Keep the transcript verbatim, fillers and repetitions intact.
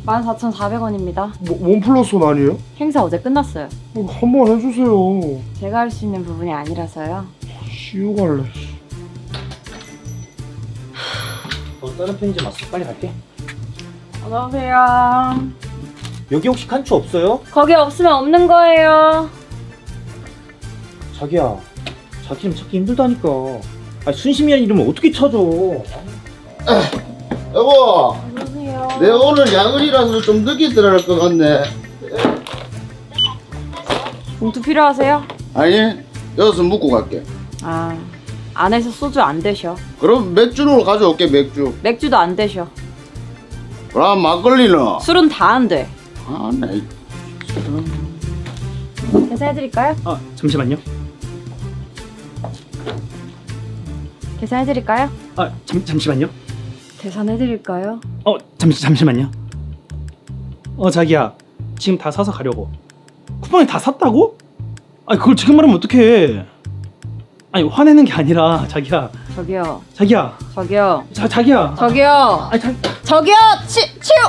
만 사천사백 원입니다. 뭐, 원 플러스 원 아니에요? 행사 어제 끝났어요. 어, 한번 해주세요. 제가 할 수 있는 부분이 아니라서요. 쉬우 갈래. 너 다른 편의점 왔어? 빨리 갈게. 어서오세요. 여기 혹시 칸추 없어요? 거기 없으면 없는 거예요. 자기야, 자기 이름 찾기 힘들다니까. 아, 순심이란 이름을 어떻게 찾아? 여보, 어서오세요. 내 오늘 야근이라서 좀 늦게 들어갈 것 같네. 봉투 필요하세요? 아니, 여기서 묵고 갈게. 아, 안에서 소주 안 되셔. 그럼 맥주로 가져올게, 맥주. 맥주도 안 되셔. 그럼 막걸리는? 술은 다 안 돼. 아, 네. 계산해드릴까요? 아, 잠시만요. 계산해드릴까요? 아, 잠, 잠시만요. 계산해드릴까요? 어, 잠시, 잠시만요. 어, 자기야. 지금 다 사서 가려고. 쿠팡에 다 샀다고? 아니, 그걸 지금 말하면 어떡해. 아니, 화내는 게 아니라, 자기야. 저기요. 자기야. 저기요. 자, 자기야. 저기요. 아니, 자, 저기요. 치, 치우.